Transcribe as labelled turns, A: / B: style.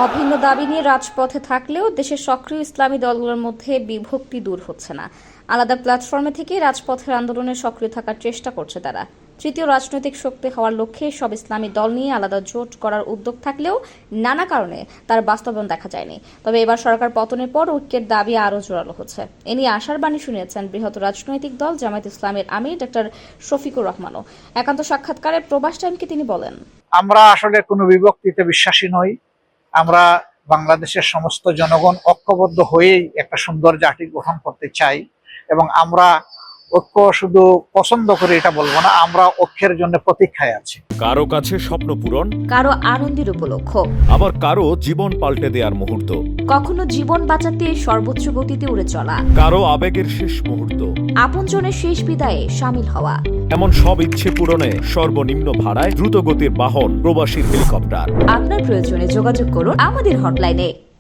A: অভিন্ন দাবি নিয়ে রাজপথে থাকলেও দেশের সক্রিয় ইসলামী দলগুলোর মধ্যে বিভক্তি দূর হচ্ছে না। আলাদা প্ল্যাটফর্মে থেকে রাজপথের আন্দোলনে সক্রিয় থাকার চেষ্টা করছে তারা। তৃতীয় রাজনৈতিক শক্তি হওয়ার লক্ষ্যে সব ইসলামী দল নিয়ে আলাদা জোট করার উদ্যোগ থাকলেও নানা কারণে তার বাস্তবায়ন দেখা যায়নি। তবে এবার সরকার পতনের পর ঐক্যের দাবি আরও জোরালো হচ্ছে। এ নিয়ে আশার বাণী শুনিয়েছেন বৃহৎ রাজনৈতিক দল জামায়াত ইসলামের আমির ডক্টর শফিকুর রহমানও। একান্ত সাক্ষাৎকারে প্রবাস টাইমকে তিনি বলেন,
B: আমরা আসলে কোনো বিভক্তিতে বিশ্বাসী নই। আমরা বাংলাদেশের সমস্ত জনগণ ঐক্যবদ্ধ হয়েই একটা সুন্দর জাতি গঠন করতে চাই এবং আমরা ঐক্য শুধু পছন্দ করে এটা বলবো না, আমরা ঐক্যের জন্য প্রতীক্ষায় আছি।
C: কারো কাছে স্বপ্ন পূরণ,
A: কারো আনন্দের উপলক্ষ,
C: আবার কারো জীবন পাল্টে দেওয়ার মুহূর্ত,
A: কখনো জীবন বাঁচাতে সর্বোচ্চ গতিতে উড়ে চলা,
C: কারো আবেগের শেষ মুহূর্ত,
A: আপনজনের শেষ বিদায়ে সামিল হওয়া।
C: এমন সব ইচ্ছে পূরণে সর্বনিম্ন ভাড়ায় দ্রুতগতির বাহন প্রবাসী হেলিকপ্টার।
A: আপনার প্রয়োজনে যোগাযোগ করুন আমাদের হটলাইনে।